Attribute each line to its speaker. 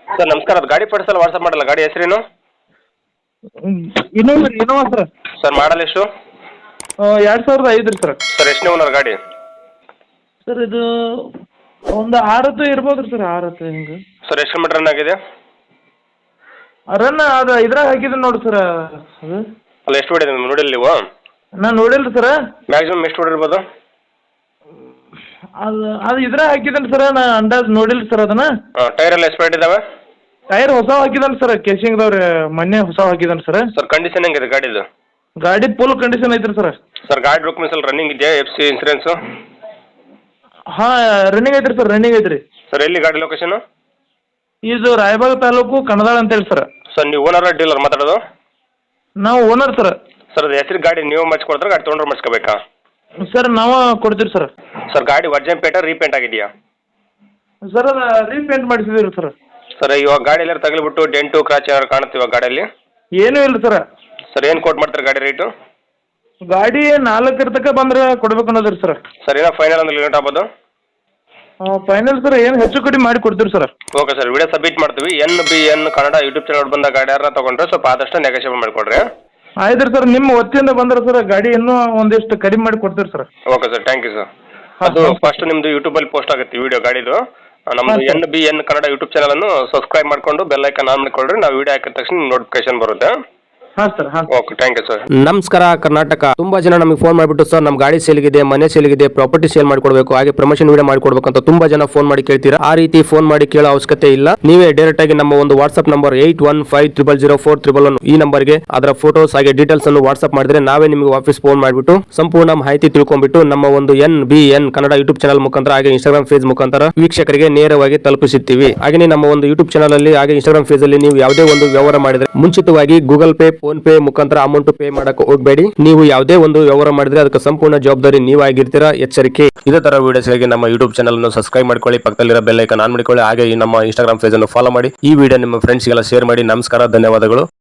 Speaker 1: Sir ನಮಸ್ಕಾರ, ಅದು ಗಾಡಿ ಫೋಟೋಸಲ್ಲಿ ವಾಟ್ಸಪ್ ಮಾಡಲ್ಲ, ಗಾಡಿ ಹೆಸರೇನು?
Speaker 2: Innova sir.
Speaker 1: ಸರ್ ಮಾಡಲ್ ಎಷ್ಟು?
Speaker 2: 2005 ರೀ ಸರ್.
Speaker 1: ಸರ್ ಎಷ್ಟನೇ ಓನರ್ ಗಾಡಿ?
Speaker 2: ಸರ್ ಇದು ಒಂದು 6 ಇರ್ಬೋದು ರೀ ಸರ್, 6 ಹಿಂಗೆ.
Speaker 1: ಸರ್ ಎಷ್ಟು ಕಿಲೋಮೀಟರ್ ರನ್ ಆಗಿದೆ?
Speaker 2: ರನ್ ಅದು ಇದ್ರಾಗ ಹಾಕಿದ್ದೀನಿ ನೋಡಿ ಸರ್ ಅದು.
Speaker 1: ಅಲ್ಲ ಎಷ್ಟು ಹೊಡಿದೆ ನೋಡಿಲ್ಲ ನೀವು?
Speaker 2: ನಾನು ನೋಡಿಲ್ಲ ಸರ್.
Speaker 1: ಮ್ಯಾಕ್ಸಿಮಮ್ ಎಷ್ಟು ಹೊಡಿರ್ಬೋದು?
Speaker 2: ಅದು ಇದ್ರಾಗ ಹಾಕಿದ್ದೀನಿ ಸರ್, ನಾ ಅಂದಾಜು ನೋಡಿಲ್ಲ ಸರ್ ಅದನ್ನ.
Speaker 1: ಟೈರ್ ಎಲ್ಲ ಎಕ್ಸ್ಪೈರ್ಡ್ ಇದಾವೆ?
Speaker 2: ಟೈರ್ ಹೊಸ ಹಾಕಿದ್ದಾನೆ ಸರ್, ಕೇಸಿಂಗ್ದವ್ರು ಮೊನ್ನೆ ಹೊಸ ಹಾಕಿದ್ದಾನೆ ಸರ್.
Speaker 1: ಸರ್ ಕಂಡೀಷನ್ ಹೆಂಗಿದೆ ಗಾಡಿದು?
Speaker 2: ಗಾಡಿ ಫುಲ್ ಕಂಡೀಷನ್ ಐತ್ರಿ ಸರ್.
Speaker 1: ಸರ್ ಗಾಡಿ ಡಾಕ್ಯುಮೆಂಟ್ಸ್ ಎಲ್ಲ ರನ್ನಿಂಗ್ ಇದೆಯಾ? FC insurance?
Speaker 2: ಹಾಂ ರನ್ನಿಂಗ್ ಐತ್ರಿ ಸರ್, ರನ್ನಿಂಗ್ ಐತ್ರಿ.
Speaker 1: ಸರ್ ಎಲ್ಲಿ ಗಾಡಿ ಲೊಕೇಶನು?
Speaker 2: ಇದು ರಾಯಬಾಗ ತಾಲೂಕು ಕಣದಾಳ ಅಂತೇಳಿ ಸರ್.
Speaker 1: ಸರ್ ನೀವು ಓನರ್ ಡೀಲರ್ ಮಾತಾಡೋದು?
Speaker 2: ನಾವು ಓನರ್ ಸರ್.
Speaker 1: ಸರ್ ಅದು ಹೆಸರು ಗಾಡಿ ನೀವು ಮಾಡಿಸ್ಕೊಡ್ತಾರೆ, ಗಾಡಿ ತೊಗೊಂಡ್ರೆ ಮಾಡಿಸ್ಕೋಬೇಕಾ?
Speaker 2: ಸರ್ ನಾವು ಕೊಡ್ತೀವಿ ಸರ್.
Speaker 1: ಸರ್ ಗಾಡಿ ವರ್ಜನ್ ಪೇಟ ರೀಪೇಂಟ್ ಆಗಿದೆಯಾ?
Speaker 2: ಸರ್ ಅದು ರೀಪೇಂಟ್ ಮಾಡಿಸಿದ್ದೀವಿ ಸರ್.
Speaker 1: ಸರ್ ಇವಾಗ ಗಾಡಿ ಎಲ್ಲ ತಗಲಿಬಿಟ್ಟು ಡೆಂಟು ಕ್ರಾಚ್ ಏನಾದ್ರು ಕಾಣುತ್ತೆ ಇವಾಗ ಗಾಡಿಯಲ್ಲಿ?
Speaker 2: ಏನೂ ಇಲ್ಲ ಸರ್.
Speaker 1: ಸರ್ ಏನು ಕೋಟ್ ಮಾಡ್ತಾರೆ ಗಾಡಿ ರೇಟು?
Speaker 2: ಗಾಡಿ 4 ತನಕ ಬಂದ್ರೆ ಕೊಡ್ಬೇಕು ಅನ್ನೋದ್ರಿ ಸರ್.
Speaker 1: ಸರ್ ಏನೋ ಫೈನಲ್ ಅಂದ್ರೆ ಲಿಮಿಟ್ ಆಗ್ಬೋದು?
Speaker 2: ಫೈನಲ್ ಸರ್ ಏನು ಹೆಚ್ಚು ಕಡಿಮೆ ಮಾಡಿ ಕೊಡ್ತೀವಿ sir.
Speaker 1: Okay sir, video submit ಮಾಡ್ತೀವಿ. NBN ಕನ್ನಡ ಯೂಟ್ಯೂಬ್ ಚಾನಲ್ ಬಂದ ಗಾಡಿ ಯಾರು ತೊಗೊಂಡ್ರೆ ಸ್ವಲ್ಪ ಆದಷ್ಟು ನೆಗೋಷಿಯೇಟ್ ಮಾಡಿಕೊಡ್ರಿ.
Speaker 2: ಆಯ್ತು ರೀ ಸರ್, ನಿಮ್ಮ ವತಿಯಿಂದ ಬಂದ್ರೆ ಸರ್ ಗಾಡಿ ಇನ್ನೂ ಒಂದಿಷ್ಟು ಕಡಿಮೆ ಮಾಡಿ ಕೊಡ್ತೀವಿ sir.
Speaker 1: Okay sir, thank you sir. ಅದು ಫಸ್ಟ್ ನಿಮ್ಮದು ಯೂಟ್ಯೂಬಲ್ಲಿ ಪೋಸ್ಟ್ ಆಗುತ್ತೆ ವಿಡಿಯೋ ಗಾಡಿದು. ನಮ್ಮದು NBN ಕನ್ನಡ ಯೂಟ್ಯೂಬ್ ಚಾನಲನ್ನು ಸಬ್ಸ್ಕ್ರೈಬ್ ಮಾಡಿಕೊಂಡು ಬೆಲ್ ಐಕಾನ್ ಆನ್ ಮಾಡಿಕೊಡ್ರಿ. ನಾವು ವಿಡಿಯೋ ಹಾಕಿದ ತಕ್ಷಣ ನೋಟಿಫಿಕೇಶನ್ ಬರುತ್ತೆ.
Speaker 2: ಹಾಂ ಸರ್. ಹಾಂ
Speaker 1: ಓಕೆ, ಥ್ಯಾಂಕ್ ಯು ಸರ್.
Speaker 3: ನಮಸ್ಕಾರ ಕರ್ನಾಟಕ. ತುಂಬಾ ಜನ ನಮಗೆ ಫೋನ್ ಮಾಡಿಬಿಟ್ಟು ಸರ್ ನಮ್ಮ ಗಾಡಿ ಸೇಲ್ಗಿದೆ, ಮನೆ ಸೇಲ್ಗಿದೆ, ಪ್ರಾಪರ್ಟಿ ಸೇಲ್ ಮಾಡಿಕೊಡ್ಬೇಕು, ಹಾಗೆ ಪ್ರಮೋಷನ್ ವಿಡಿಯೋ ಮಾಡಿಕೊಡ್ಬೇಕು ಅಂತ ತುಂಬಾ ಜನ ಫೋನ್ ಮಾಡಿ ಕೇಳ್ತೀರಾ. ಆ ರೀತಿ ಫೋನ್ ಮಾಡಿ ಕೇಳೋ ಅವಶ್ಯಕತೆ ಇಲ್ಲ. ನೀವೇ ಡೈರೆಕ್ಟ್ ಆಗಿ ನಮ್ಮ ಒಂದು ವಾಟ್ಸ್ಆಪ್ ನಂಬರ್ 81500411 ಈ ನಂಬರ್ಗೆ ಅದರ ಫೋಟೋಸ್ ಹಾಗೆ ಡೀಟೇಲ್ಸ್ ಅನ್ನು ವಾಟ್ಸ್ಆಪ್ ಮಾಡಿದ್ರೆ ನಾವೇ ನಿಮಗೆ ವಾಪಸ್ ಫೋನ್ ಮಾಡಿಬಿಟ್ಟು ಸಂಪೂರ್ಣ ಮಾಹಿತಿ ತಿಳ್ಕೊಂಡ್ಬಿಟ್ಟು ನಮ್ಮ ಒಂದು NBN ಕನ್ನಡ ಯೂಟ್ಯೂಬ್ ಚಾನಲ್ ಮುಖಾಂತರ ಹಾಗೆ ಇನ್ಸ್ಟಾಗ್ರಾಮ್ ಪೇಜ್ ಮುಖಾಂತರ ವೀಕ್ಷಕರಿಗೆ ನೇರವಾಗಿ ತಲುಪಿಸುತ್ತೀವಿ. ಹಾಗೆ ನಮ್ಮ ಒಂದು ಯೂಟ್ಯೂಬ್ ಚಾನಲ್ ಅಲ್ಲಿ ಹಾಗೆ ಇನ್ಸ್ಟಾಗ್ರಾಮ್ ಪೇಜ್ ಅಲ್ಲಿ ನೀವು ಯಾವುದೇ ಒಂದು ವ್ಯವಹಾರ ಮಾಡಿದ್ರೆ ಮುಂಚಿತವಾಗಿ ಗೂಗಲ್ ಪೇ, ಫೋನ್ ಪೇ ಮುಖಾಂತರ ಅಮೌಂಟ್ ಪೇ ಮಾಡಕ್ಕೆ ಹೋಗಬೇಡಿ. ನೀವು ಯಾವುದೇ ಒಂದು ವ್ಯವಹಾರ ಮಾಡಿದ್ರೆ ಅದಕ್ಕೆ ಸಂಪೂರ್ಣ ಜವಾಬ್ದಾರಿ ನೀವಾಗಿರ್ತೀರಾ, ಎಚ್ಚರಿಕೆ. ಇದೇ ತರ ವಿಡಿಯೋಸ್ಗಾಗಿ ನಮ್ಮ ಯೂಟ್ಯೂಬ್ ಚಾನಲ್ ಅನ್ನು ಸಬ್ಸ್ಕ್ರೈಬ್ ಮಾಡ್ಕೊಳ್ಳಿ, ಪಕ್ಕದಲ್ಲಿರೋ ಬೆಲ್ ಐಕಾನ್ ಆನ್ ಮಾಡಿಕೊಳ್ಳಿ, ಹಾಗೆ ನಮ್ಮ ಇನ್ಸ್ಟಾಗ್ರಾಮ್ ಪೇಜ್ ಅನ್ನು ಫಾಲೋ ಮಾಡಿ. ಈ ವಿಡಿಯೋ ನಿಮ್ಮ ಫ್ರೆಂಡ್ಸ್ಗೆಲ್ಲ ಶೇರ್ ಮಾಡಿ. ನಮಸ್ಕಾರ, ಧನ್ಯವಾದಗಳು.